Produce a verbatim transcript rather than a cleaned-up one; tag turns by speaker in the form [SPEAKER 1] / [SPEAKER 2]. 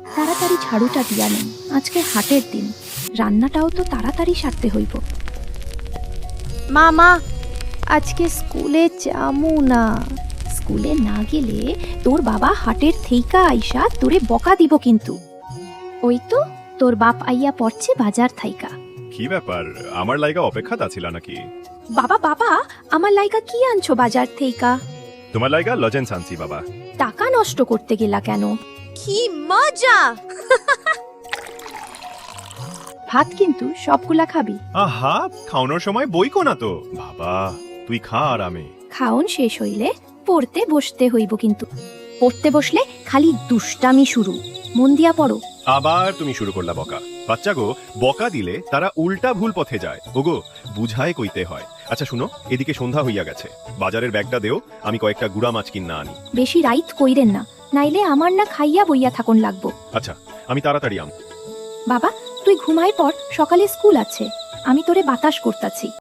[SPEAKER 1] তাড়াতাড়ি ঝাড়ুটা দিয়া নেন, আজকে হাটের দিন, রান্নাটাও তো তাড়াতাড়ি সারতে হইব।
[SPEAKER 2] মা মা আজকে স্কুলে যামু না।
[SPEAKER 1] স্কুলে না গেলে তোর বাবা হাটের থেইকা আইসা তোরে বকা দিব কিন্তু। ওই তো তোর বাপ আইয়া পড়ছে বাজার থাইকা।
[SPEAKER 3] কি ব্যাপার, আমার লাইগা অপেক্ষাত আছিলা নাকি?
[SPEAKER 1] বাবা বাবা আমার লাইকা কি আনছো বাজার থেইকা?
[SPEAKER 3] তোমার লাইগা লজেন্স আনছি বাবা।
[SPEAKER 1] টাকা নষ্ট করতে গেলা কেন?
[SPEAKER 2] কি মজা!
[SPEAKER 1] ভাত কিন্তু সবগুলা খাবি।
[SPEAKER 3] আহা, খাওয়ানোর সময় বইকো না তো বাবা, তুই খা আরামে।
[SPEAKER 1] খাওন শেষ হইলে পড়তে বসতে হইব কিন্তু। পড়তে বসলে খালি দুষ্টামি শুরু, মন দিয়া পড়ো।
[SPEAKER 3] আবার তুমি শুরু করলা বকা। বাচ্চা গো, বকা দিলে তারা উল্টা ভুল পথে যায়। ওগো, বুঝায় কইতে হয়। আচ্ছা শুনো, এদিকে সন্ধ্যা হইয়া গেছে, বাজারের ব্যাগটা দেও, আমি কয়েকটা গুড়া মাছ কিনা আনি।
[SPEAKER 1] বেশি রাইত কইরেন না, নাইলে আমার না খাইয়া বইয়া থাকুন লাগবো।
[SPEAKER 3] আচ্ছা, আমি তাড়াতাড়ি আম।
[SPEAKER 1] বাবা তুই ঘুমাই পর, সকালে স্কুল আছে, আমি তোরে বাতাস করতাছি।